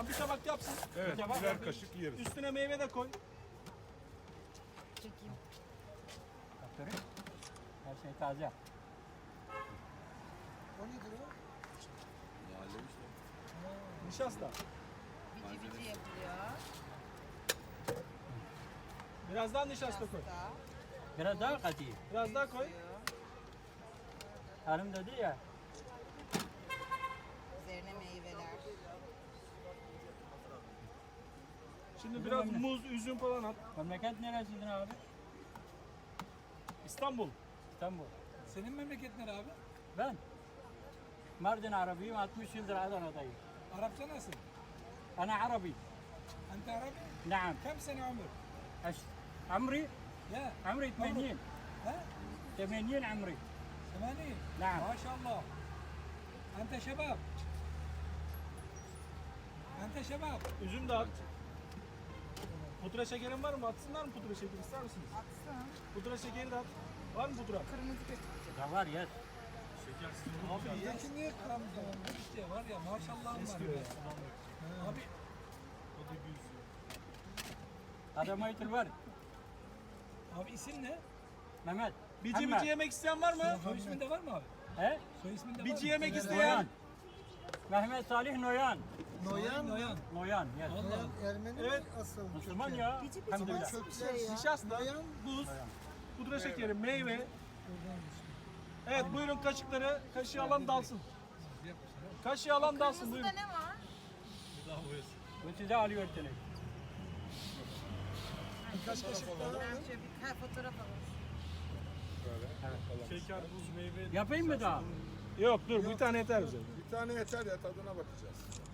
Tamam bir tabak yapsın. Evet, Acaba birer ben- kaşık yeriz. Üstüne meyve de koy. Çekeyim. Aferin. Her şey taze. O nedir o? Nişasta. Bici bici yapılıyor. Biraz daha nişasta koy. Pasta. Biraz daha katayım. Biraz daha koy. Hanım dedi ya. Üzerine meyveler. Şimdi biraz muz, üzüm falan at. Memleket neresiydin abi? İstanbul. İstanbul. Senin memleket nere abi? Ben Mardin Arabiyim. 60 yıldır Adana'dayım. Arapça nasıl? Ana Arabi. Ente Arabi? Naam. Kam sene ömür? عمري Ya. عمري 80 Ha? 80 عمري 80. نعم. Maşallah. Ente şebap. Ente şebap. Üzüm de at. Pudra şekerin var mı? Atsınlar mı pudra şekeri? İster misiniz? Atsın. Pudra şekeri de at. Var mı pudra? Kırmızı götürecek. ده var yes. Abi ye. Peki niye kıramızda işte var ya maşallahım var. Eskiyor Ya. ya. Abi هذا ما يتر abi isim ne? Mehmet. Bici Muhammed. bici yemek isteyen var mı? Soy isminde var mı abi? He? Soy isminde var Bici mı? yemek Noyan. isteyen. Mehmet Salih Noyan. Noyan. Noyan. Noyan yes. Allah. Ermeni Evet. mi asıl? Müslüman ya. Bici bici Elhamdülillah. nasıl bir şey ya? Nişasta, buz, pudra şekeri, meyve. Evet buyurun kaşıkları. Kaşığı alan dalsın. Kaşığı alan dalsın Kırmızıda buyurun. ne var? Bu size alıyor seni. Kaç kaşık daha? Ben şöyle bir fotoğraf alalım. Şeker, buz, meyve. Yapayım mı daha? Yok dur bir tane yeter bize. Bir tane yeter ya, tadına bakacağız.